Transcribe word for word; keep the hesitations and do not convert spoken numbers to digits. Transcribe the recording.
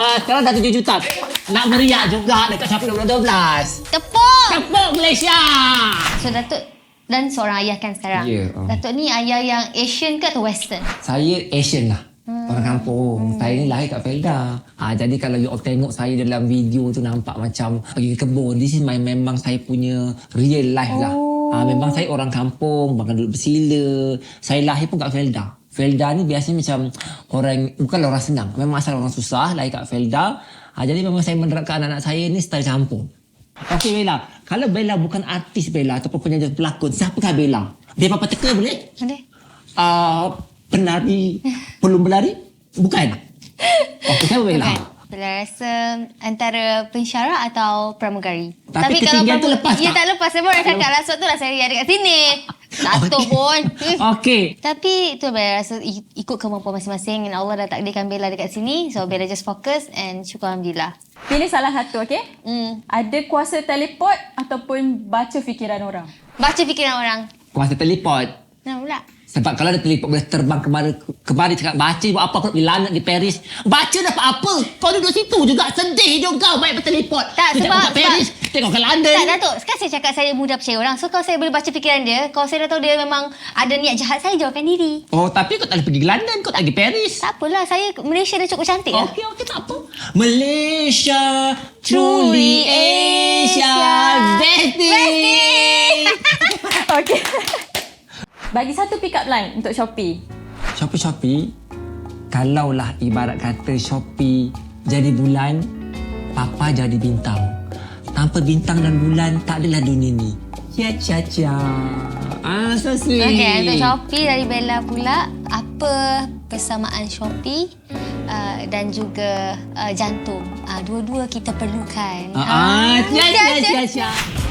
Ah, sekarang dah tujuh juta. Nak meriah juga dekat Shopee dua ribu dua belas. Tepuk! Tepuk Malaysia! So Datuk dan seorang ayah kan sekarang. Ya, oh. Datuk ni ayah yang Asian ke atau Western? Saya Asian lah. Hmm. Orang kampung. Hmm. Saya ni lahir kat Felda. Ha, jadi kalau you all tengok saya dalam video tu nampak macam pergi ke kebun. This is my, memang saya punya real life lah. Oh. Ha, memang saya orang kampung. Makan duduk bersila. Saya lahir pun kat Felda. Felda ni biasanya macam orang, bukanlah orang senang. Memang asal orang susah lahir kat Felda. Ha, jadi memang saya menerapkan anak-anak saya ni style kampung. Okey Bella, kalau Bella bukan artis Bella ataupun penyanyi pelakon, siapakah Bella? Dia apa teka boleh? Ada. Uh, penari, belum berlari? Bukan. Okey, siapa Bella? Bukan. Bella rasa antara pensyarah atau pramugari. Tapi ketinggian tu lepas Ya tak? tak lepas. Saya pun nak cakap lah. Sebab tu lah saya ada kat sini. Datuk Okey. pun. Okey. Tapi tu Bella rasa i- ikut kemampuan masing-masing. Dan Allah dah takdirkan Bella dekat sini. So Bella just fokus and syukur Alhamdulillah. Pilih salah satu, okey? Hmm. Ada kuasa teleport ataupun baca fikiran orang? Baca fikiran orang. Kuasa teleport. Nah pula. Sebab kalau ada teleport boleh terbang kemari, kemari cakap baca buat apa, aku nak pergi London, pergi Paris. Baca dapat apa? Kau duduk situ juga. Sedih je kau baik berteleport. Tak, Dia sebab- tengok kat Paris, tengok kat London. Tak Datuk, sekarang saya cakap saya mudah percaya orang. So kalau saya boleh baca fikiran dia, kalau saya dah tahu dia memang ada niat jahat, saya jauhkan diri. Oh, tapi kau tak boleh pergi London, kau tak pergi Paris. Tak apalah, saya Malaysia dah cukup cantik lah. Okey, okey, tak apa. Malaysia, truly Asia, Besti. Okey. Bagi satu pick up line untuk Shopee. Shopee Shopee, kalaulah ibarat kata Shopee jadi bulan, Papa jadi bintang. Tanpa bintang dan bulan, tak adalah dunia ni. Cia cia cia. Ah, so sweet. Okey, untuk Shopee dari Bella pula, apa persamaan Shopee uh, dan juga uh, jantung? Uh, dua-dua kita perlukan. Ah, ah, cia cia cia, cia cia.